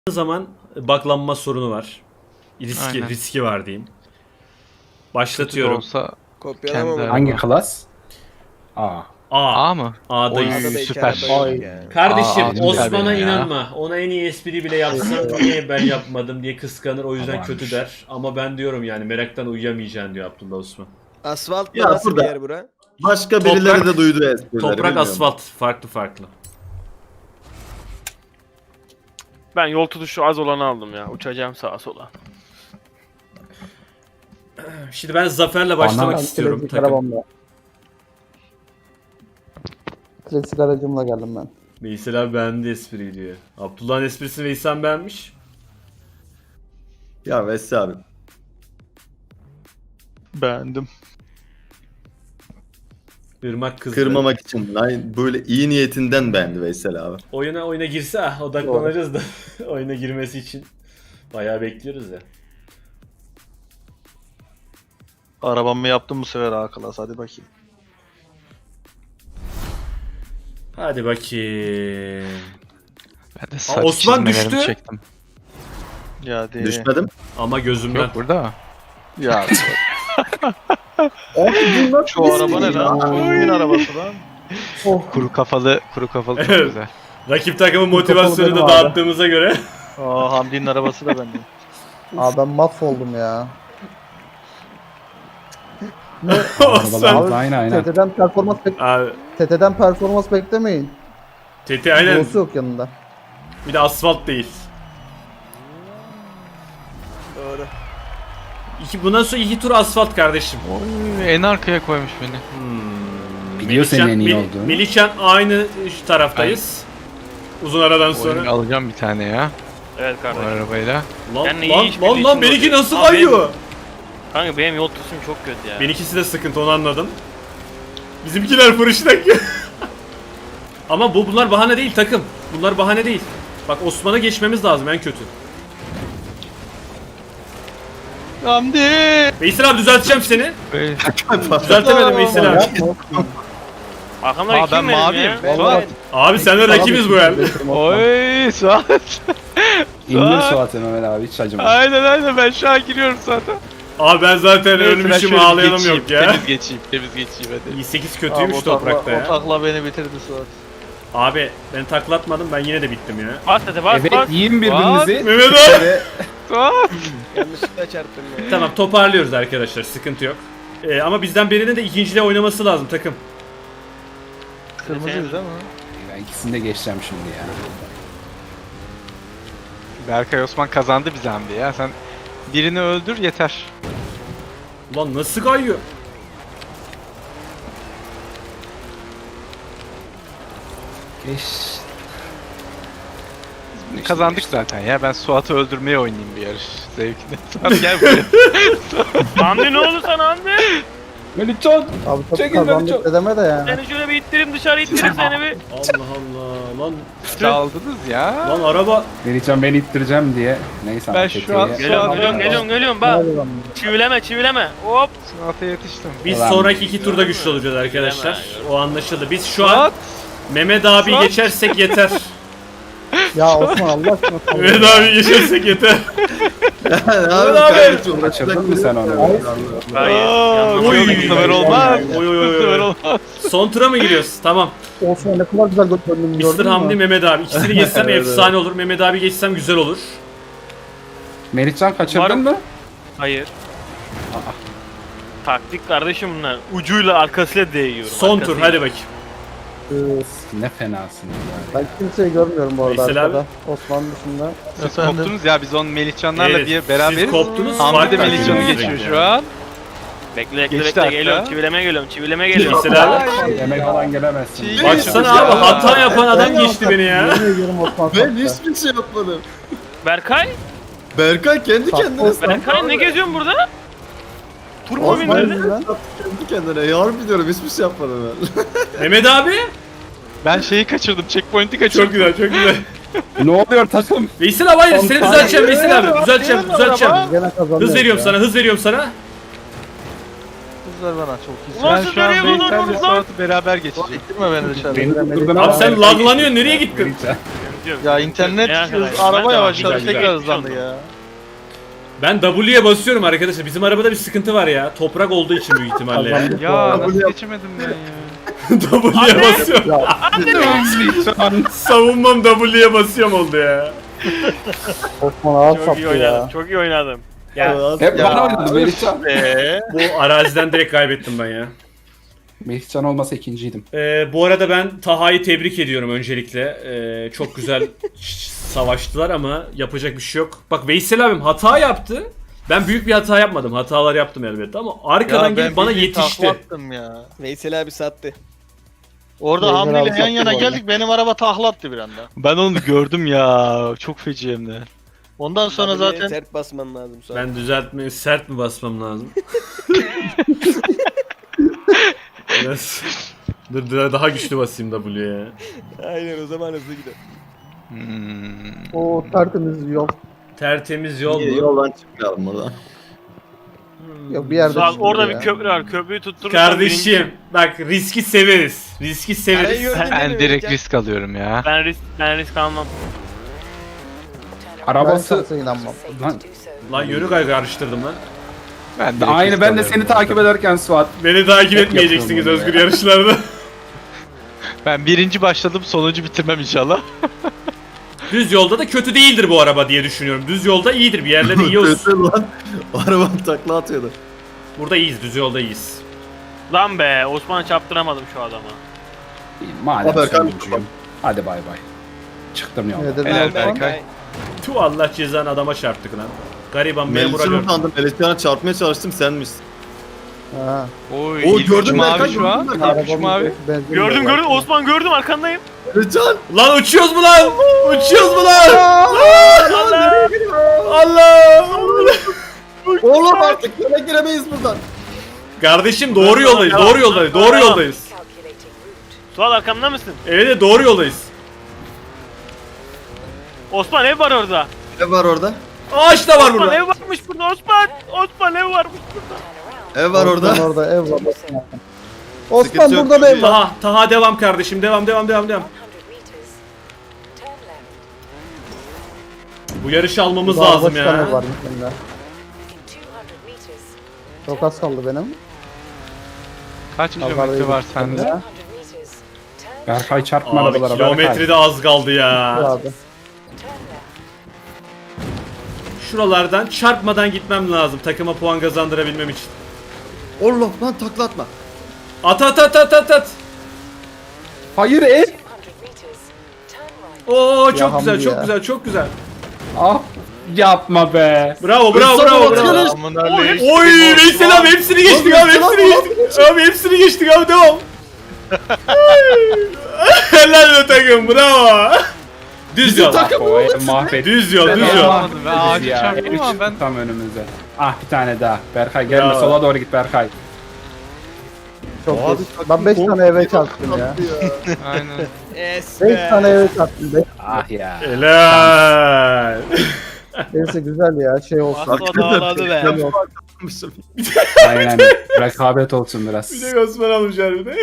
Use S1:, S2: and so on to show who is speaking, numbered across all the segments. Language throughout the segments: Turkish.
S1: zaman baklanma sorunu var. Riski var diyeyim. Başlatıyorum.
S2: Olsa
S3: Kopyalama
S2: kendi
S3: mı?
S4: Hangi klas?
S1: A.
S2: A mı?
S1: A'dayız.
S3: A'da da iki
S2: Süper.
S3: araba yok yani.
S1: Kardeşim
S2: Aa,
S1: Osman'a
S2: benim ya.
S1: inanma. Ona en iyi espri bile yapsam niye ben yapmadım diye kıskanır. O yüzden
S4: Abarmış.
S1: kötü der. Ama ben diyorum yani meraktan uyuyamayacaksın diyor Abdullah Osman.
S3: Asfalt
S5: Ya
S3: nasıl
S5: burada-
S3: bir yer bura?
S5: Başka birileri
S1: Toprak-
S5: de duydu esprileri.
S1: Toprak
S5: bilmiyorum.
S1: asfalt farklı.
S6: Ben yol tutuşu az olanı aldım ya. Uçacağım sağa sola.
S1: Şimdi ben zaferle başlamak istiyorum.
S7: Klasik
S1: Takım.
S7: arabamla. Klasik aracımla geldim ben.
S1: Veysel abi beğendi espriyi diyor. Abdullah'ın esprisini Veysel beğenmiş.
S5: Ya Vessi abi.
S2: Beğendim.
S1: Irmak kızdı.
S5: Kırmamak için böyle iyi niyetinden beğendi Veysel abi.
S1: Oyuna girse odaklanacağız da oyuna girmesi için bayağı bekliyoruz ya.
S8: Arabamı yaptım bu sefer A klas, hadi bakayım.
S1: Hadi bakayım.
S2: Ben de saç
S1: Osman
S2: çizmelerimi
S1: düştü.
S2: çektim.
S8: Ya değil.
S5: Düşmedim.
S1: Ama gözümden.
S2: Yok burada.
S8: Ya
S5: Abi bunlar
S8: şu araba ne lan? Kimin arabası lan?
S2: Kuru kafalı çok
S1: Evet.
S2: güzel.
S1: Rakip takımın motivasyonunu da
S7: benim abi.
S1: dağıttığımıza göre.
S8: Aa, Hamdi'nin arabası da bende.
S7: Aa ben mahvoldum ya.
S1: Osman.
S4: Arabalar aynen.
S1: Abi,
S7: TT'den performans beklemeyin.
S1: Teti aynen.
S7: Yolsu yok yanında.
S1: Bir de asfalt değil.
S3: Doğru.
S1: Bundan sonra 2 tur asfalt kardeşim.
S2: Oy, en arkaya koymuş beni.
S4: Biliyor senin en iyi olduğunu.
S1: Melihcan aynı şu taraftayız. Uzun aradan sonra.
S2: Oyunu alacağım bir tane ya.
S6: Evet
S2: Bu
S6: kardeşim.
S2: arabayla.
S1: Lan
S6: Ben de iyi
S1: lan
S6: iş
S1: lan
S6: birliği
S1: lan
S6: için
S1: benimki
S6: oluyor.
S1: nasıl
S6: Abi
S1: kayıyor?
S6: Kanka benim yol tutuşum çok kötü ya.
S1: Benimkisi de sıkıntı, onu anladım. Bizimkiler fırıştak. Ama bunlar bahane değil takım. Bunlar bahane değil. Bak Osman'a geçmemiz lazım en kötü.
S2: Hamdi!
S1: Veysel abi düzelteceğim seni.
S2: Böyle-
S1: Düzeltemedim Veysel abi.
S6: Arkamda
S2: Aa,
S6: kim
S2: ben
S6: benim
S2: maviyim.
S6: ya?
S2: Suat.
S1: Abi senle rakibiz bu el.
S2: Oy Suat.
S4: İndir Suat'ı Mehmet abi hiç acıma.
S2: Aynen ben şu an giriyorum zaten.
S1: Abi ben zaten
S2: Neyse, ben
S1: ölmüşüm,
S2: şöyle
S1: ağlayalım
S2: geçeyim,
S1: yok ya.
S2: Temiz geçeyim hadi.
S1: 8 kötüymüş
S8: Abi,
S1: toprakta ya.
S8: O takla beni bitirdi Suat.
S1: Abi ben taklatmadım, ben yine de bittim ya.
S6: Bas hadi bas
S4: Evet
S6: bas.
S4: yiyin birbirinizi.
S1: Mehmet abi.
S2: Suat!
S3: Yanlışlıkla çarptım ya.
S1: Tamam, toparlıyoruz arkadaşlar, sıkıntı yok. Ama bizden birinin de ikinciliğe oynaması lazım takım.
S8: Kırmızıyız değil mi?
S4: Ben ikisini de geçeceğim şimdi ya.
S2: Berkay Osman kazandı bize Hamdi ya. Sen birini öldür yeter.
S1: Ulan nasıl kayıyor?
S4: Geç.
S2: Kazandık zaten ya. Ben Suat'ı öldürmeye oynayayım bir yarış zevkine. Suat gel buraya.
S6: Hamdi ne oldu sana Hamdi?
S4: Melihcan.
S7: Abi çok
S4: Çekil ben
S7: kazandık
S4: çok-
S7: dedeme de yani.
S6: Seni şöyle bir ittireyim dışarı ittireyim seni bir.
S1: Allah Allah lan.
S2: Aldınız ya.
S1: Lan araba.
S4: Melihcan beni ittireceğim diye. Neyse
S2: Ben
S4: ama
S2: şu
S4: tetiğe-
S2: an-
S6: Geliyorum bak. Çivileme hop.
S2: Suat'a yetiştim.
S1: Biz
S4: Ulan.
S1: sonraki 2 turda güçlü olacağız arkadaşlar. O anlaşıldı. Biz şu an
S2: Suat!
S1: Mehmet abi
S2: Suat.
S1: geçersek yeter.
S7: Ya Osman Allah aşkına.
S1: Mehmet abi geçersek yeter.
S5: abi
S1: abi.
S5: kardeşim,
S4: Kaçırdın mı sen onu?
S6: Hayır.
S2: Aa,
S6: yanlış
S2: bu
S6: oldu.
S2: sefer olmaz.
S1: Oy oy
S2: Bu
S1: oy
S2: sefer
S1: oy.
S2: olmaz.
S1: Son tura mı giriyoruz? Tamam.
S7: Osman ne kadar güzel gördüm gördün
S1: Mr. Hamdi,
S7: mü?
S1: Mehmet abi. İkisini geçsem efsane olur. Mehmet abi geçsem güzel olur.
S4: Melihcan kaçırdın
S6: Umarım-
S4: mı?
S6: Hayır. Taktik kardeşim bunlar. Ucuyla arkasıyla değiyorum.
S1: Son tur
S6: arkasıyla.
S1: hadi bakayım.
S4: Ne fenasın ya.
S7: Ben kimseyi görmüyorum bu arada
S1: Veysel
S7: arkada. Osman dışında.
S2: Siz koptunuz ya biz onun Melihcanlarla
S1: Evet,
S2: bir
S1: siz
S2: beraberiz.
S1: koptunuz.
S2: Hamdi de
S1: fark
S2: Melihcan'ı
S1: ettiniz.
S2: geçiyor şu an.
S6: Bekle
S2: Geçti
S6: bekle
S2: hatta.
S6: geliyorum. Çivileme geliyorum.
S1: Veysel abi.
S4: Yemek falan gelemezsin.
S2: Çiğ-
S1: Baksana abi, hata yapan adam geçti beni ya.
S7: Yemin ediyorum Osman
S5: Ben
S7: sattı.
S5: hiçbir şey yapmadım.
S6: Berkay?
S5: Berkay kendi kendine
S7: Osman.
S6: Berkay ne geziyorsun burada? Tur mu
S7: Osman
S6: bindirdin?
S7: yüzünden.
S5: kendi kendine. Ya harbi diyorum, hiçbir şey yapmadım ben.
S1: Mehmet abi.
S2: Ben şeyi kaçırdım, checkpoint'i kaçırdım.
S1: Çok güzel, çok güzel.
S4: Ne oluyor takım?
S1: Veysel abi hayır, seni düzelteceğim Veysel abi. Düzelteceğim.
S7: Gene kazanıyoruz
S1: Hız veriyorum
S7: ya.
S1: sana, hız veriyorum sana.
S8: Kızlar bana çok iyi.
S6: Ulan
S2: Ben
S6: siz
S2: şu an
S6: nereye
S2: Beysel'le
S6: buldunuz lan?
S2: Suat'ı beraber geçeceğim.
S8: İttirme beni dışarı.
S4: Beni tutturdun
S1: Abi sen laglanıyorsun, nereye gittin?
S4: Melihcan.
S6: sıkıntı yok.
S8: Ya internet
S6: En arkadayım.
S8: araba
S6: Ben de
S8: yavaşladı
S1: güzel,
S8: tekrar
S6: güzel.
S8: hızlandı ya.
S1: Ben W'ye basıyorum arkadaşlar. Bizim arabada bir sıkıntı var ya. Toprak olduğu için büyük ihtimalle ya.
S7: Kazandık bu
S2: Ya
S7: arada.
S2: nasıl geçemedim ben ya?
S1: W'ye basıyorum.
S7: Ya
S1: Savunmam W'ye basıyorum oldu ya.
S7: Osman ağır
S6: Çok iyi
S7: sattı
S6: oynadım.
S7: ya.
S6: Çok iyi oynadım.
S1: Ya
S4: Hep bana oynadı Melihcan.
S1: bu araziden direkt kaybettim ben ya.
S4: Melihcan olmasa ikinciydim.
S1: Bu arada ben Taha'yı tebrik ediyorum öncelikle. Çok güzel savaştılar ama yapacak bir şey yok. Bak Veysel abim hata yaptı. Ben büyük bir hata yapmadım. Hatalar yaptım elbette ama arkadan gelip bana yetişti.
S8: Taklattım ya.
S3: Veysel abi sattı.
S8: Orada
S7: Veysel
S8: Hamdi
S7: abi
S8: ile yan
S7: sattı
S8: yana
S7: bu arada.
S8: geldik benim araba taklattı bir anda.
S2: Ben onu gördüm ya. Çok feci hem de.
S8: Ondan sonra
S3: W'ye
S8: zaten
S3: sert basman lazım sonra.
S1: Ben düzeltmeyi sert mi basmam lazım? Biraz... Dur daha güçlü basayım W'ye ya.
S3: Aynen o zaman hızlı gider.
S7: O tertemiz yol.
S1: Tertemiz yol
S5: İyi,
S1: mu?
S5: yoldan çıkmayalım oradan.
S7: Yok bir yerde
S6: Suat
S7: çıkıyor
S6: orada
S7: ya.
S6: bir köprü var. Köprüyü tutturursan
S1: Kardeşim bak riski severiz. Riski severiz.
S3: Arayı gördün değil
S2: Ben
S3: mi
S2: direkt
S3: Melihcan?
S2: risk alıyorum ya.
S6: ben risk almam.
S7: Ben
S4: Arabası...
S7: şansa inanmam.
S4: Lan,
S1: Lan yürü karıştırdım lan.
S2: Ben direkt
S4: aynı
S2: risk
S4: ben de
S2: alıyorum
S4: seni
S2: ya.
S4: takip ederken Suat.
S1: Beni takip
S4: Hep
S1: etmeyeceksiniz
S4: yapıyorum onu
S1: özgür
S4: ya.
S1: yarışlarda.
S2: Ben birinci başladım, sonuncu bitirmem inşallah.
S1: Düz yolda da kötü değildir bu araba diye düşünüyorum. Düz yolda iyidir. Bir yerlerde iyi olsun.
S5: Kötü lan. Arabam takla atıyordu.
S1: Burada iyiyiz. Düz yolda iyiyiz.
S6: Lan be Osman'ı çarptıramadım şu adama.
S4: Madem
S5: Haber
S4: sonuncuyum. Hadi bay bay. Çıktım
S7: Ne
S4: yoldan.
S7: dedin
S2: Helal
S7: Osman?
S2: Berkay.
S1: Tu Allah cezanı adama çarptık lan. Gariban memura
S5: Melihcan'ı
S1: gördüm.
S5: sandım. Melihcan'a çarpmaya çalıştım senmişsin.
S7: Ha.
S2: Oy,
S5: Oo,
S2: ilk
S5: gördün
S2: üç
S5: mü
S2: mavi
S5: Berkay,
S2: şu an.
S5: gördün mü?
S2: İlk üç mavi.
S7: Benzin
S6: Gördüm
S7: yok.
S6: Osman gördüm arkandayım.
S5: Melihcan!
S1: Lan uçuyoruz mu lan? Uçuyoruz mu lan? Allah!
S5: Oğlum artık yola giremeyiz buradan.
S1: Kardeşim doğru yoldayız. Doğru yoldayız. Doğru yoldayız.
S6: Suat arkamda mısın?
S1: Evet doğru yoldayız.
S6: Osman ev var orada.
S5: Ne var orada?
S1: Ağaç da var
S6: Osman
S1: burada.
S6: ev varmış burada Osman. Osman ev varmış burada.
S5: Ev var orada.
S7: Osman orada ev var. Osman
S5: Sıkıntı yok.
S7: burada da ev var.
S1: Taha devam kardeşim. Devam. Bu yarışı almamız
S7: Daha
S1: lazım
S7: başka
S1: ya.
S7: ev var mesela. Çok az kaldı benim.
S2: Kaç kilometre
S7: Pazardayım
S2: var sende?
S7: ya.
S4: Berkay çarpma
S1: Abi
S4: arabalara
S1: kilometre
S4: Berkay.
S1: de az kaldı ya.
S7: Abi.
S1: Şuralardan çarpmadan gitmem lazım takıma puan kazandırabilmem için.
S5: Allah lan takla atma.
S1: At.
S4: Hayır ev.
S1: Oo çok
S7: Ya
S1: güzel,
S7: Hamdi
S1: çok
S7: ya.
S1: güzel, çok güzel.
S4: Ah yapma be.
S1: Bravo.
S8: Aman Allah'ım.
S1: Oy Veysel abi hepsini geçtik abi, hepsini geçtik abi devam. Helal be takım, bravo. Düz yol.
S4: O ev mahvetti.
S1: Düz yol,
S2: Ben
S1: düz yol.
S2: alamadım. Ben ağacı
S4: Ya,
S2: çarptım
S4: ev
S2: ama
S4: çıktı
S2: ben...
S4: tam önümüze. Ah bir tane daha. Berkay gelme
S1: Ya.
S4: sola doğru git Berkay.
S7: Çok
S5: Abi,
S7: geç. Ben 5 tane eve çarptım ya.
S2: Aynen.
S7: 5 tane eve çarptım.
S4: Ah ya.
S1: Helal.
S7: Neyse güzel ya şey olsun.
S6: Asla dağladı be.
S4: Aynen. Rekabet olsun biraz.
S1: Bir de Osman almış harbiden.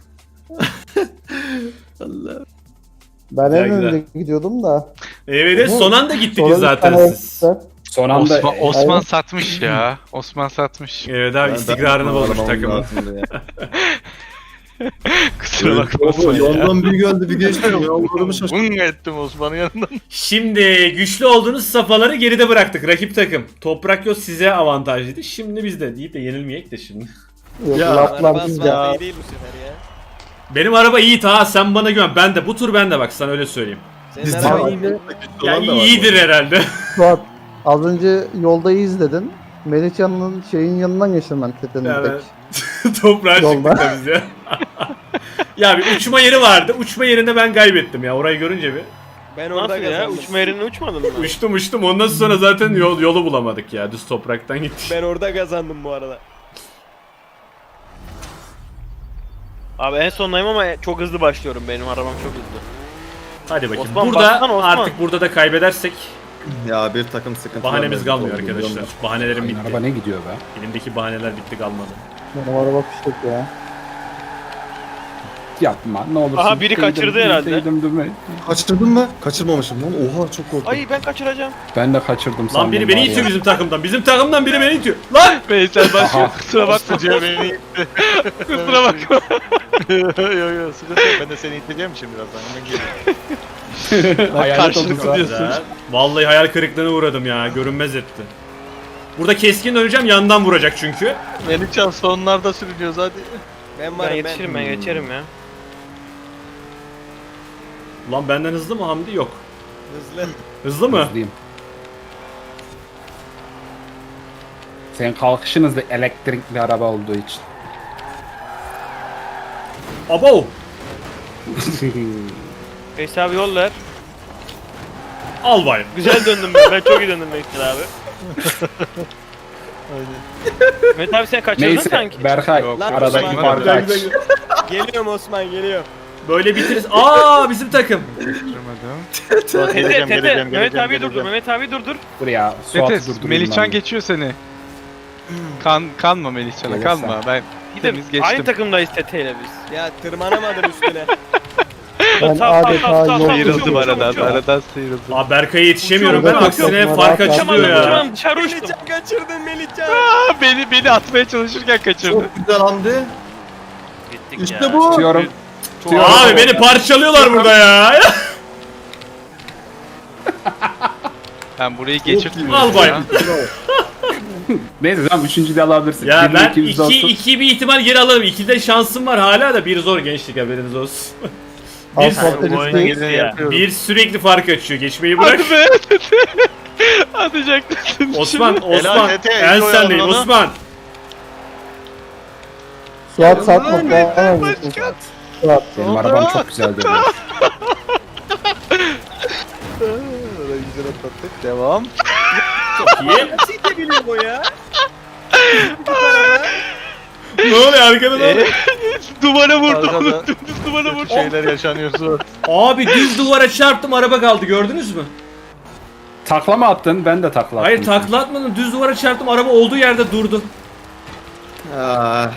S5: Allah.
S7: Ben
S1: Güzel,
S7: en önde
S1: güzel.
S7: gidiyordum da.
S1: Evet son anda gittik
S7: Sonra bir
S1: zaten
S7: tane
S1: siz.
S7: ev-
S4: Son anda
S2: Osman satmış ya. Osman satmış.
S1: Evet abi istikrarını bozmuş takımın.
S2: Kusura bakma
S5: Baba
S2: Osman ya.
S5: yoldan bir geldi bir geçti. Yollarımı şaşırdım.
S8: Bung ettim Osman'ın yanından.
S1: Şimdi güçlü olduğunuz safhaları geride bıraktık rakip takım. Toprak yol size avantajlıydı. Şimdi bizde deyip de yenilmeyek de şimdi.
S7: Yok,
S5: Ya,
S7: laflar
S3: Araba
S7: bizde.
S3: asfalt iyi değil bu sefer ya.
S1: Benim araba iyi ta sen bana güven. Ben de bu tur bende bak sana öyle söyleyeyim.
S3: Senin
S5: Bizde
S3: araba
S5: var.
S3: iyi mi?
S1: Ya iyidir herhalde.
S7: Suat az önce yolda izledin. Melihcan'ın şeyin yanından geçtim ben tepenin
S1: Evet.
S7: tek.
S1: Toprağa
S7: Yolda.
S1: çıktık da biz ya. Ya bir uçma yeri vardı. Uçma yerinde ben kaybettim ya. Orayı görünce bir.
S3: Ben orada
S6: Nasıl ya?
S3: kazandım.
S6: Uçma yerine uçmadın mı?
S1: Uçtum. Ondan sonra zaten yolu bulamadık ya. Düz topraktan gittik.
S3: Ben orada kazandım bu arada.
S6: Abi en sondayım ama çok hızlı başlıyorum. Benim arabam çok hızlı.
S1: Hadi bakayım.
S6: Osman,
S1: burada
S6: baksana Osman.
S1: artık burada da kaybedersek
S5: Ya bir takım sıkıntı.
S1: bahanemiz kalmıyor arkadaşlar. Bahanelerim
S4: Aynen,
S1: bitti.
S4: araba ne gidiyor be?
S1: Elimdeki bahaneler bitti kalmadı.
S7: Benim araba fişek ya.
S4: Yapma ne olursun.
S6: Aha, biri kaçırdı herhalde.
S4: Değdim.
S5: Kaçırdın mı? Kaçırmamışım lan. Oha çok korktum.
S6: Ay ben kaçıracağım.
S4: Ben de kaçırdım sandım.
S1: Lan biri beni
S4: var ya.
S1: itiyor bizim takımdan. Bizim takımdan biri beni itiyor. Lan!
S2: Veysel başlıyor.
S4: Aha.
S2: Kusura bakma.
S8: Sıcağı beni itti.
S2: Kusura bakma.
S8: Yo yo sıkıntı yok. Ben de seni iteceğim şimdi birazdan. Hemen geliyorum.
S4: Hayalet
S2: Karşılıklı
S4: oldu
S2: diyorsun.
S1: Güzel. Vallahi hayal kırıklığına uğradım ya. Görünmez etti. Burada keskin döneceğim. Yandan vuracak çünkü.
S8: Melihcan sonlarda sürünüyoruz hadi.
S3: Ben
S6: Ben
S3: varım
S6: yetişirim ben geçerim ya.
S1: Lan benden hızlı mı Hamdi? Yok.
S3: Hızlı.
S1: Hızlı mı?
S4: Hızlıyım. Senin kalkışın hızlı elektrikli araba olduğu için.
S1: Abo!
S6: Veysel abi yol ver.
S1: Al bayım.
S6: Güzel döndüm ben. Ben çok iyi döndüm Veysel abi. Mehmet abi sen kaçırdın
S4: Neyse
S6: sanki.
S4: Berkay
S2: Yok,
S3: Lan
S4: aradaki
S3: Osman,
S4: farkı aç.
S3: Geliyorum Osman geliyor.
S1: Böyle bitiririz. Aa bizim takım.
S6: Tete
S8: Geleceğim,
S6: Tete.
S8: geleceğim,
S6: Mehmet abi
S8: geleceğim.
S6: durdur. Mehmet abi durdur.
S4: Buraya Suat'ı
S2: Metes,
S4: durdurayım
S2: Melihcan
S4: ben.
S2: geçiyor seni. Kanma Melihcan'a
S4: Gelirsen.
S2: kanma. Ben
S6: Gidelim.
S2: temiz geçtim.
S6: Aynı takımdayız Tete ile biz.
S3: Ya tırmanamadım üstüne.
S7: Ben adeta yol
S2: Sıyrıldım aradan sıyrıldım.
S1: Aa Berkay'a yetişemiyorum ben.
S7: Şurada
S1: Aksine
S7: çok
S1: fark
S7: rahat
S1: açılıyor
S7: yaptım
S1: ya.
S6: Uçamam dışarı uçtum.
S3: Melihcan kaçırdın Melihcan.
S2: Beni atmaya çalışırken kaçırdı.
S5: Çok güzel Hamdi.
S6: Gittik
S5: İşte
S6: ya.
S5: bu.
S4: Tutuyorum.
S1: Abi beni parçalıyorlar burada ya.
S2: Ben burayı geçirdim.
S1: Al bayım.
S4: Neyse tamam 3. de alabilirsin.
S1: Ya ben
S4: 2200 olsun.
S1: 2 bir ihtimal geri alırım. 2'de şansım var hala da bir zor gençlik haberiniz olsun.
S7: Asfalt
S6: Bu oyuna
S7: deniz
S6: girdi ya.
S1: Bir sürekli fark açıyor. Geçmeyi bırak.
S2: Hadi be. Atacaktın.
S1: Osman, Osman.
S8: Tete,
S1: En
S8: iyi
S1: sendeyim
S8: oyaladın
S1: Osman.
S7: Suat satma falan. Suat.
S4: Benim arabam çok güzel dedi.
S8: Güzel atlattık. Devam.
S1: Çok iyi.
S3: Nasıl itebiliyor bu ya?
S1: Ne oluyor arkada ne oluyor?
S2: Duvara vurdu.
S8: Arkada
S2: Dümdüz duvara vurdu.
S8: şeyler yaşanıyor sonra.
S1: Abi düz duvara çarptım araba kaldı gördünüz mü?
S4: Takla mı attın? Ben de takla attım.
S1: Hayır takla atmadım düz duvara çarptım araba olduğu yerde durdu.
S5: Ah.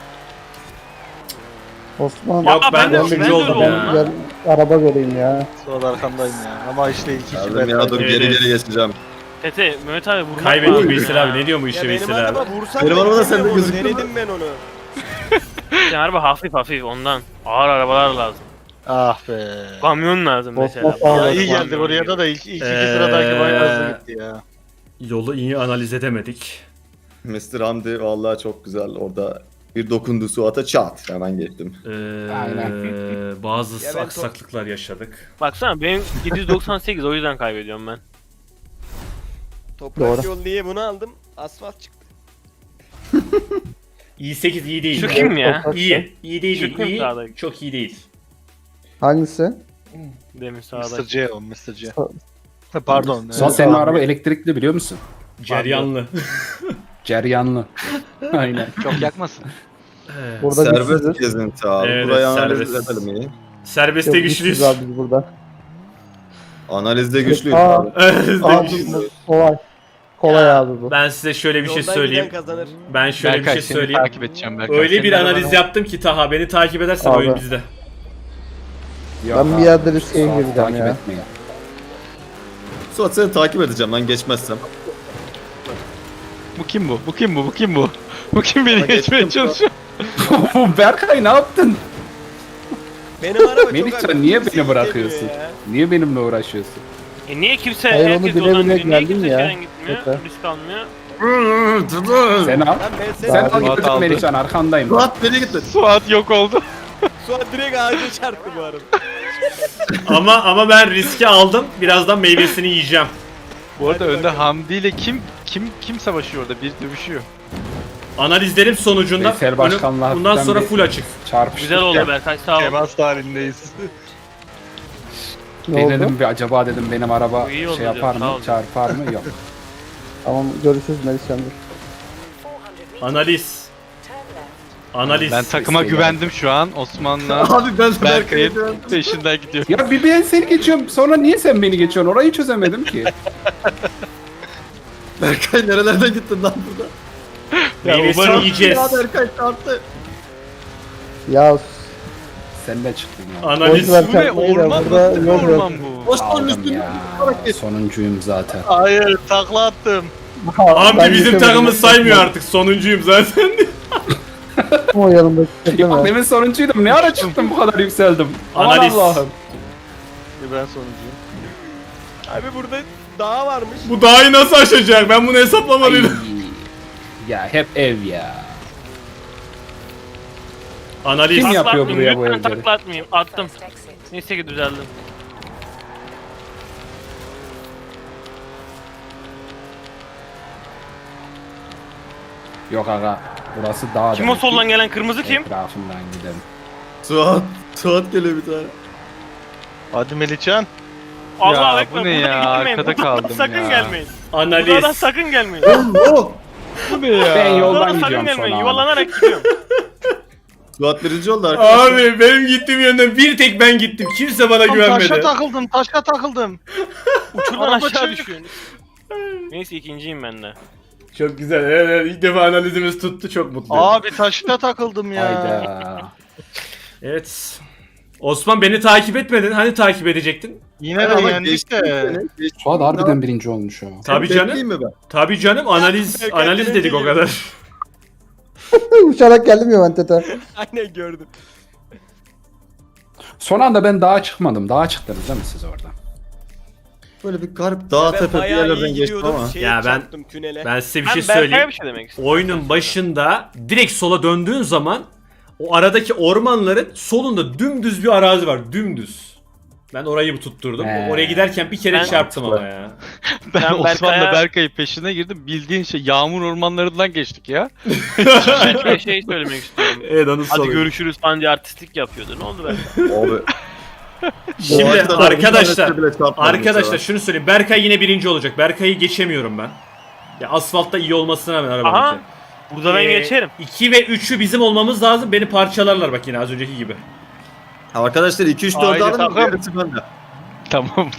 S7: Osman.
S1: Yok
S6: Aa,
S1: ben de
S6: ben de
S1: üçüncü
S6: öyle
S1: oldum
S6: oldum.
S1: ya.
S7: Gel araba göreyim ya.
S8: Sonra arkandayım ya. Ama işte iki kişi
S5: Geldim ya dur
S1: Evet,
S5: geri
S1: evet.
S5: geri geçeceğim.
S6: Tete Mehmet abi vurmak
S1: Kaybettik
S6: lazım
S1: Veysel
S6: ya.
S1: abi ne diyor bu
S3: Ya
S1: işte
S3: benim
S1: Veysel abi?
S3: araba vursan
S5: Benim
S3: da
S5: araba da sende
S3: gitmiyor onu,
S5: gözüküyor
S3: denedim ben onu.
S6: Senin araba hafif hafif ondan. Ağır arabalar lazım.
S8: Ah be.
S6: Kamyon lazım mesela.
S7: Osman
S8: Ya
S7: sağ
S8: iyi
S7: ol.
S8: geldi oraya da ilk iki sıradaki bayağı hızlı gitti ya.
S1: Yolu iyi analiz edemedik.
S5: Mr. Hamdi vallahi çok güzel orada bir dokundu Suat'a çat hemen geçtim.
S4: Aynen.
S1: Bazı
S3: Ya ben
S1: aksaklıklar yaşadık.
S6: Baksana benim 798 o yüzden kaybediyorum ben.
S3: Toprak
S7: Doğru.
S3: yol diye bunu aldım. Asfalt çıktı.
S1: i8 iyi değil.
S6: Şu kim ya?
S1: İyi. İyi değil.
S6: Şu kim
S1: iyi.
S6: sağdaki?
S1: Çok iyi değil.
S7: Hangisi?
S6: Demin
S8: Mr.
S6: sağda.
S8: C o Mr. C. Ha, pardon.
S4: Suat senin araba elektrikli biliyor musun?
S1: Ceryanlı.
S4: Ceryanlı. Aynen.
S2: Çok yakmasın.
S7: Burada
S5: Serbest
S7: güçsüzüz.
S5: gezinti abi.
S1: Evet,
S5: Burayı analiz
S1: serbest.
S5: edelim iyi.
S1: Serbestte
S7: Yok,
S1: güçlüyüz.
S7: güçsüz abi biz burada.
S5: Analizde güçlüyüz
S7: Aa.
S5: abi.
S7: Abi kolay. Kolay abi bu.
S1: Ben size şöyle bir şey
S3: Yoldan
S1: söyleyeyim.
S3: giden kazanır.
S1: Ben şöyle
S2: Berkay
S1: bir şey
S2: seni
S1: söyleyeyim.
S2: takip edeceğim Berkay.
S1: Öyle
S2: Senin
S1: bir analiz
S2: arabana-
S1: yaptım ki Taha beni takip edersen
S7: Abi.
S1: oyun bizde.
S4: Yok
S7: Ben bir
S4: abi,
S7: yerde riske
S4: Suat'ı
S7: gireceğim
S4: takip
S7: ya.
S4: etmeyin.
S5: Suat seni takip edeceğim lan geçmezsem.
S2: Bu kim bu? Bu kim bu? Bu kim bu? Bu kim beni geçmeye çalışıyor?
S4: Berkay ne yaptın?
S3: Benim araba çok
S4: Melihcan,
S3: hafif,
S4: niye
S3: kimse
S4: beni
S3: gidemiyor
S4: bırakıyorsun?
S3: ya.
S4: Niye benimle uğraşıyorsun?
S6: Niye kimse
S7: Hayır, onu
S6: herkes
S7: bile
S6: yoldan
S7: bile
S6: gidiyor? Niye
S7: geldin
S6: kimse
S7: ya.
S6: şeyden gitmiyor?
S7: Tete.
S6: Risk almıyor.
S4: Sen al.
S3: Lan ben
S4: Sen
S3: seni
S4: al
S2: Suat
S4: gittin
S2: aldı.
S4: Melihcan arkandayım.
S5: Suat nereye gittin?
S2: Suat yok oldu.
S3: Suat direkt ağaca çarptı bu arada.
S1: ama ben riski aldım. Birazdan meyvesini yiyeceğim.
S2: Bu arada
S3: Hadi
S2: önde
S3: bakalım.
S2: Hamdi ile kim savaşıyor orada? Bir dövüşüyor.
S1: Analizlerim sonucunda
S4: Veysel Başkan'la
S1: bundan
S4: hafiften
S1: sonra
S4: bir-
S1: full açık.
S4: Çarpıştık
S6: Güzel oldu
S4: ya.
S6: Berkay sağ ol.
S8: Temas halindeyiz.
S7: Ne oldu?
S4: Denedim bir acaba dedim benim araba
S6: Bu iyi oldu
S4: şey yapar
S6: diyorum, sağ
S4: mı
S6: ol.
S4: çarpar mı yok.
S7: Tamam görüşürüz Melihcan'dır.
S1: Analiz. Analiz.
S2: Ben takıma
S4: Veysel
S2: güvendim şu an. Osman'la
S5: Abi ben
S2: Berkay'ın peşinden gidiyorum.
S4: Ya bir ben seni geçiyorum sonra niye sen beni geçiyorsun orayı çözemedim ki.
S5: Berkay nerelerden gittin lan burada?
S1: Meyvesini yiyeceğiz.
S5: Ya Berkay çarptı.
S7: Ya
S4: Sen de çıktın ya.
S1: Analiz.
S7: Boş ver
S2: Bu ne?
S7: çarpmayı da,
S2: Orman
S7: burada
S2: nasıl bir
S7: yol ver.
S2: orman bu?
S4: Aldım ya. Sonuncuyum zaten.
S8: Hayır takla attım.
S1: Hamdi
S7: Ben
S1: bizim
S7: geçemedim.
S1: takımı saymıyor artık. Sonuncuyum zaten.
S7: O yanımdaki takım
S4: Bak
S7: ya.
S4: demin sonuncuydum. Ne ara çıktım bu kadar yükseldim? Aman
S1: Analiz.
S4: Allah'ım.
S8: Ben sonuncuyum.
S3: Abi burada dağ varmış.
S1: Bu dağı nasıl aşacak? Ben bunu
S4: Ay.
S1: hesaplamalıydım.
S4: Ya hep ev ya.
S1: Analiz.
S4: Kim
S6: Takla
S4: yapıyor
S6: atmayayım,
S4: buraya bu
S6: lütfen
S4: evleri?
S6: takla atmayayım. Attım. Neyse ki düzeldim.
S4: Yok aga. Burası dağ.
S6: Kim o
S4: demek ki.
S6: soldan gelen kırmızı kim?
S4: Etrafından gidelim.
S5: Suat geliyor bir tane.
S8: Hadi Melihcan.
S6: Allah
S2: Ya,
S6: ekber.
S2: bu ne
S6: Burada
S2: ya?
S6: gitmeyin.
S2: Arkada
S6: Buradan
S2: kaldım
S6: sakın
S2: ya.
S6: gelmeyin. Buradan
S1: Analiz.
S6: sakın gelmeyin.
S5: Oh!
S2: Bu ne ya?
S4: Ben yoldan
S6: Buradan sakın
S4: gidiyorum
S6: gelmeyin.
S4: sonra.
S6: Yuvarlanarak gidiyorum.
S5: Suat birinci oldu arkadaşlar.
S1: Abi benim gittiğim yönden bir tek ben gittim. Kimse bana güvenmedi.
S8: Taşa takıldım.
S6: Uçurdan
S8: Araba
S6: aşağı
S8: çık.
S6: düşüyorsun. Neyse ikinciyim ben de.
S1: Çok güzel. Evet, ilk defa analizimiz tuttu. Çok mutluyum.
S8: Abi taşta takıldım ya.
S4: Hayda.
S1: Evet. Osman beni takip etmedin. Hani takip edecektin?
S8: Yine de
S5: Ama
S8: yendik
S5: geçti
S8: de.
S5: seni, geçti.
S4: Suat harbiden birinci olmuş o.
S1: Tabii
S5: Bekleyeyim
S1: canım.
S5: mi ben?
S1: Tabii canım. Analiz
S3: Berkay
S1: analiz
S3: birinci
S1: dedik o
S3: geliyor.
S1: kadar.
S7: Uçarak geldim ya ben tete.
S3: Aynen gördüm.
S4: Son anda ben dağa çıkmadım. Dağa çıktınız değil mi siz orada?
S5: Böyle bir garip dağ
S3: Ben
S5: tepe bir
S3: bayağı
S5: yerlerden
S3: iyi
S5: geçtim
S3: gidiyordum.
S5: ama.
S3: Şeye
S1: Ya ben-
S3: çarptım tünele.
S1: Ben size bir
S6: Ben
S1: şey
S6: Berkay'a
S1: söyleyeyim.
S6: bir şey demek istiyorum.
S1: Oyunun başında direkt sola döndüğün zaman o aradaki ormanların solunda dümdüz bir arazi var. Dümdüz. Ben orayı tutturdum. Oraya giderken bir kere
S6: Ben-
S1: çarptım ama ya.
S2: Ben
S6: Ben
S2: Osman'la
S6: Berkay'a-
S2: Berkay'ın peşine girdim. Bildiğin şey yağmur ormanlarından geçtik ya.
S6: Ben şey söylemek istiyorum.
S1: Evet anı
S6: Hadi görüşürüz falan diye artistlik yapıyordu. Ne oldu ben?
S5: Abi.
S1: Şimdi
S5: Bu arkada da bir
S1: arkadaşlar
S5: tanesi bile çarpmadı
S1: arkadaşlar
S5: mesela.
S1: şunu söyleyeyim. Berkay yine birinci olacak. Berkay'ı geçemiyorum ben. Ya asfaltta iyi olmasına rağmen
S6: Aha.
S1: arabanın.
S6: Burada ben geçerim.
S1: 2 ve 3'ü bizim olmamız lazım. Beni parçalarlar bak yine az önceki gibi.
S5: Arkadaşlar 2-3-4
S8: Haydi
S5: alın.
S8: takım.
S5: Yarısı bende.
S2: Tamam.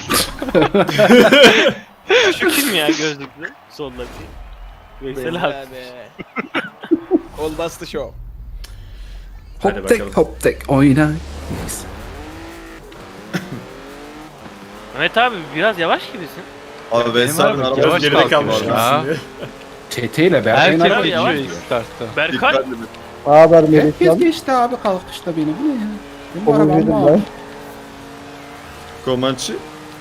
S6: Şu kim ya gözlüklü? Soldaki. Veysel abi.
S3: Kol bastı show.
S1: Hadi
S4: Hop tek
S1: bakalım.
S4: hop tek oyna. Neyse.
S6: Mehmet abi biraz yavaş gibisin.
S5: Abi ben
S2: Benim
S5: sarın
S2: abi,
S5: arabası
S2: yavaş
S1: Geride
S2: kaldım
S1: kalmış
S2: ya.
S1: gibisin diye.
S4: Çete ile Berkay'ın
S2: Herkes
S4: arabası
S6: yavaş
S2: geçiyor
S6: yavaş.
S2: ilk startta.
S6: Berkay.
S5: Dikkatli bir.
S7: Haber
S4: Herkes
S7: Melihcan.
S4: geçti abi kalkışta beni. Bu ne ya? Benim arabam
S7: Komucuydum
S4: var.
S7: ben.
S5: Komançı.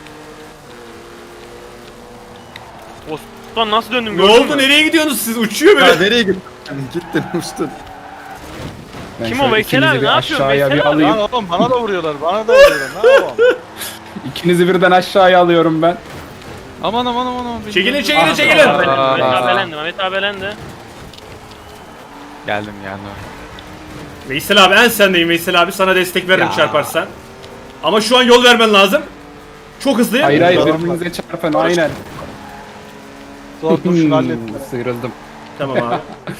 S6: Osman nasıl döndüm
S1: Ne
S6: gördün
S1: oldu?
S6: mü?
S1: Nereye gidiyorsunuz siz? Uçuyor
S5: Ya
S1: böyle.
S5: nereye gittin? Gittin uçtun.
S4: Ben
S6: Kim o
S4: şöyle
S6: Veysel
S4: ikinizi
S6: abi?
S4: bir
S6: Ne yapıyorsun
S4: aşağıya bir
S6: Veysel abi?
S4: alayım.
S8: Lan oğlum bana da vuruyorlar. Bana da vuruyorlar. Ne yapalım?
S4: İkinizi birden aşağıya alıyorum ben.
S2: Aman aman aman aman.
S1: Çekilin çekilin
S4: Ah,
S1: çekilin.
S4: ah,
S6: Mehmet
S4: Aa.
S6: abi elendi. Mehmet abi elendi.
S2: Geldim geldim.
S1: Veysel abi en sendeyim Veysel abi. Sana destek veririm
S4: Ya.
S1: çarparsan. Ama şu an yol vermen lazım. Çok hızlıyım.
S4: Hayır hayır
S5: Tamam.
S4: birbirinize çarpın aynen.
S8: Zor dur şunu hallettim.
S4: Sıyrıldım.
S1: Tamam abi.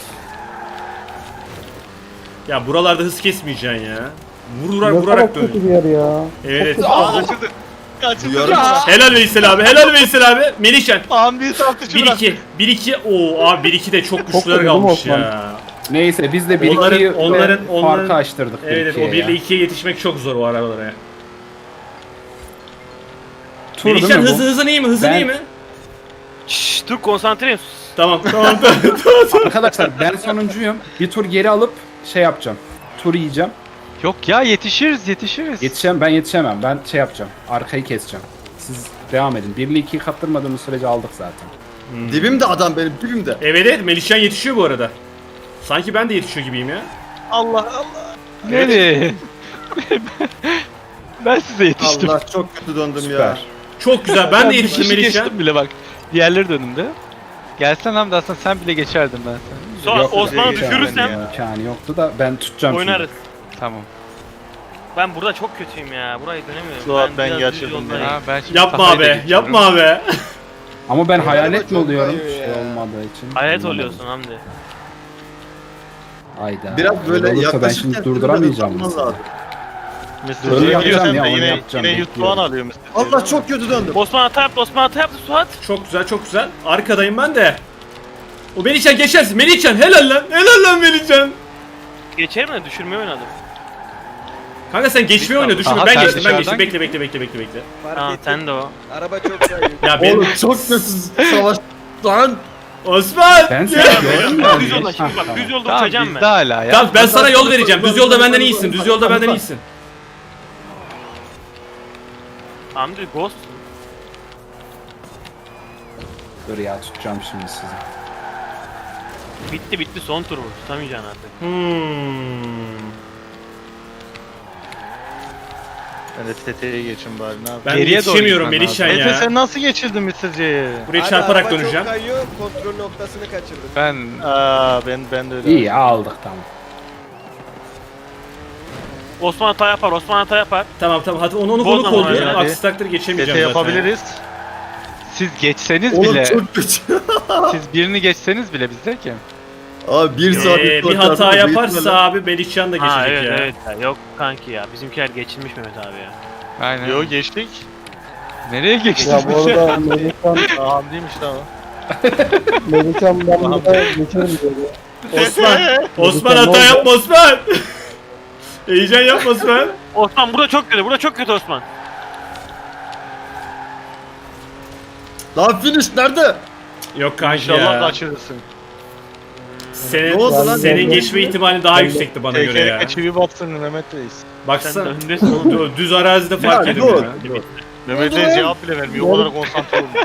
S1: Ya buralarda hız kesmeyeceksin ya. Vurarak
S7: Ne
S1: vurarak
S7: kadar kötü
S1: dön.
S7: bir yer ya.
S1: Evet.
S8: Kaçırdı.
S5: Duyarım.
S1: Helal Veysel abi. Helal Veysel abi. Melihcan.
S8: Hamdi'yi saptıcı
S1: 1-2. 1-2. Oo abi 1-2 de çok güçlüler
S7: vurdum
S1: kalmış
S7: Osman.
S1: ya.
S4: Neyse biz de
S1: Onların-
S4: 1-2'yi
S1: onların-
S4: farkı açtırdık.
S1: Evet o 1 ile 2'ye yetişmek çok zor o arabalara.
S4: Tur değil
S1: Melihcan
S4: mi bu?
S1: hızın iyi mi? Hızın
S4: Ben-
S1: iyi mi?
S6: Şşş dur konsantreyim.
S1: Tamam tamam tamam.
S4: Arkadaşlar ben sonuncuyum. Bir tur geri alıp şey yapacağım. Tur yiyeceğim.
S2: Yok ya yetişiriz yetişiriz.
S4: Ben yetişemem. Ben şey yapacağım. Arkayı keseceğim. Siz devam edin. 1 ile 2'yi kaptırmadığımız sürece aldık zaten.
S5: Dibimde adam benim dibimde.
S1: Evet evet Melihcan yetişiyor bu arada. Sanki ben de yetişiyor gibiyim ya.
S8: Allah Allah.
S2: Nereye? Ben size yetiştim.
S5: Allah çok kötü döndüm
S4: Süper.
S5: ya.
S1: Çok güzel. Ben de
S2: bir
S1: yetiştim
S2: kişi
S1: Melihcan.
S2: geçtim bile bak. Diğerleri de önümde. Gelsen Hamdi aslında sen bile geçerdin ben seni.
S6: Sonra
S4: Yok,
S6: Osman'ı
S4: imkanı
S6: düşürürsem
S4: İmkanı yoktu da ben tutacağım
S6: oynarız.
S2: Tamam.
S6: Ben burada çok kötüyüm ya. Burayı dönemiyorum.
S8: Suat, ben
S6: biraz
S8: gerçekten
S6: düz yoldayım.
S8: de-
S2: Ha, ben şimdi
S1: Yapma
S2: sahayı da
S1: abi.
S2: geçiyorum.
S1: Yapma abi.
S4: şimdi. Ama ben hayalet mi
S3: çok
S4: oluyorum?
S3: kayıyor
S4: Şey
S3: ya.
S4: olmadığı için.
S6: Hayret
S4: Anlamadım.
S6: oluyorsun Hamdi.
S4: Hayda.
S5: Biraz böyle
S4: Öyle olursa ben
S5: yaklaşırken
S4: şimdi durduramayacağım.
S5: hızlanman
S4: mesela.
S5: lazım.
S8: Mr.
S4: Öyle
S8: J
S4: yapacağım
S8: biliyorsan
S4: ya,
S8: da
S4: onu
S8: yine,
S4: yapacağım,
S8: yine
S4: bekliyorum.
S8: Yuttuğan alıyor Mr.
S5: Allah çok kötü döndüm.
S6: Osman hata yaptı. Osman hata yaptı. Suat.
S1: Çok güzel çok güzel. Arkadayım ben de. O Melihcan geçersin. Melihcan helal lan. Helal lan Melihcan.
S6: Geçerim de düşürmeye oynadım.
S1: Kanka sen geçmeyi oyna düşünme.
S2: Aha,
S1: Ben
S2: sen
S1: geçtim.
S2: dışarıdan
S1: Bekle.
S3: Fark
S6: Tamam
S3: ettim.
S6: sen de o.
S3: Araba çok kayıyor.
S1: Ya ben
S5: Oğlum çok kötü savaş lan.
S1: Osman.
S4: Ben
S1: Ya.
S4: seni gördüm
S6: Düz
S4: ya.
S6: yolda şimdi bak
S4: Ha,
S6: düz yolda
S2: Tamam
S6: uçacağım
S2: bizde
S6: ben.
S2: hala ya.
S1: Tamam ben sana yol vereceğim. Düz yolda benden iyisin. Düz yolda benden iyisin.
S6: Hamdi Ghost.
S4: Dur ya tutacağım şimdi sizi.
S6: Bitti son tur bu. Tutamayacaksın artık.
S8: Ben de TT'ye geçin bari ne yapayım.
S1: Ben
S2: Geriye doğru
S1: yetişemiyorum
S2: gitmen
S1: Melihcan
S8: Mete
S1: ya.
S8: sen nasıl geçirdin bitiriciyi?
S1: Buraya
S3: Abi
S1: çarparak
S3: araba
S1: döneceğim.
S3: çok kayıyor. Kontrol noktasını kaçırdım.
S2: Ben
S8: Ben de öyle.
S4: İyi aldık tamam.
S6: Osman hata yapar.
S1: Tamam hadi onu
S6: Bozma
S1: kolu
S6: hadi,
S1: koldu.
S8: hadi.
S1: Aksi takdir
S8: TT
S1: geçemeyeceğim zaten.
S8: yapabiliriz.
S2: siz geçseniz
S5: Oğlum
S2: bile,
S5: çok kötü.
S2: siz birini geçseniz bile bizde ki.
S5: Abi bir saat
S1: Bir hata yaparsa abi Melihcan da
S6: Ha
S1: geçecek
S6: evet
S1: ya.
S6: evet. Ya, yok kanki ya. Bizimkiler geçilmiş Mehmet abi ya.
S2: Aynen.
S8: Yo geçtik.
S2: Nereye geçtik?
S7: Ya bu arada Melihcan,
S8: Hamdi'ymiş tamam.
S7: Melihcan ben burada geçerim diyordu.
S1: Osman hata yapma Osman. Heyecan yapma Osman.
S6: Osman burada çok kötü Osman.
S5: Lan finish nerede?
S1: Yok kanki
S8: İnşallah
S1: ya.
S8: kaçırırsın.
S1: Senin,
S5: Ne oldu lan?
S1: senin geçme ihtimali daha yüksekti bana göre ya.
S8: TK'ye çivi batsın Mehmet Reis.
S6: Sen de
S1: Baksana.
S6: öndesin.
S1: Oğlum, düz arazide fark
S5: Ya,
S1: ediyor
S5: dur,
S1: ya.
S5: dur.
S8: Mehmet Reis cevap bile vermiyor. O kadar konsantre olmuş.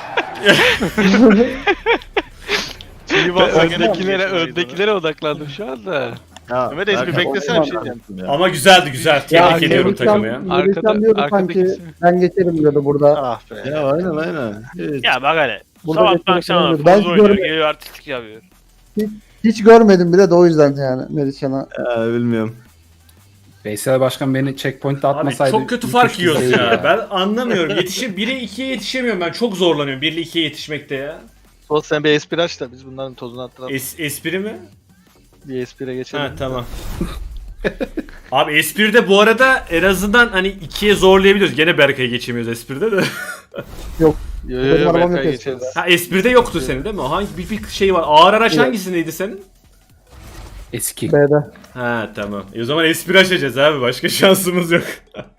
S8: Çivi batsa gene
S2: Öndekilere odaklandım şu anda.
S5: Ya,
S8: Mehmet Reis bir
S5: Berkay,
S8: beklesene bir şey diyeceğim.
S5: ya.
S1: Ama güzel. Tebrik ediyorum takımı ya.
S7: Melihcan diyordu sanki
S2: arkadaki-
S7: ben geçerim diyordu burada.
S8: Ah be.
S5: Ya aynen. Evet.
S6: Ya bak hele.
S7: Burada
S6: Sabahtan
S7: geçmek
S6: akşama
S7: önemli.
S6: kadar
S7: Ben
S6: fuzul oynuyor.
S7: görmedim.
S6: Geliyor artistlik yapıyor.
S7: Hiç görmedim bile de o yüzden yani Melihcan'a.
S5: Ya, bilmiyorum.
S4: Veysel Başkan beni checkpoint'te
S1: Abi
S4: atmasaydı.
S1: çok kötü fark
S4: müthişti
S1: yiyoruz
S4: seyir
S1: ya. Ben anlamıyorum. 1'e 2'ye yetişemiyorum ben. Çok zorlanıyorum 1 ile 2'ye yetişmekte ya.
S8: Sol sen bir espri aç da biz bunların tozunu attıralım.
S1: Espri mi?
S8: Bir espriye geçelim.
S1: Ha tamam. Abi espride bu arada en azından hani 2'ye zorlayabiliyoruz. Gene Berkay'ı geçemiyoruz espride de.
S8: Yo
S7: Benim arabam
S8: Berkay
S7: yok
S8: geçeriz.
S1: Ha espride yoktu senin değil mi? Hangi bir şey var. Ağır araç hangisindeydi senin?
S4: Eski.
S7: B'de.
S1: Ha tamam. O zaman espri açacağız abi. Başka şansımız yok.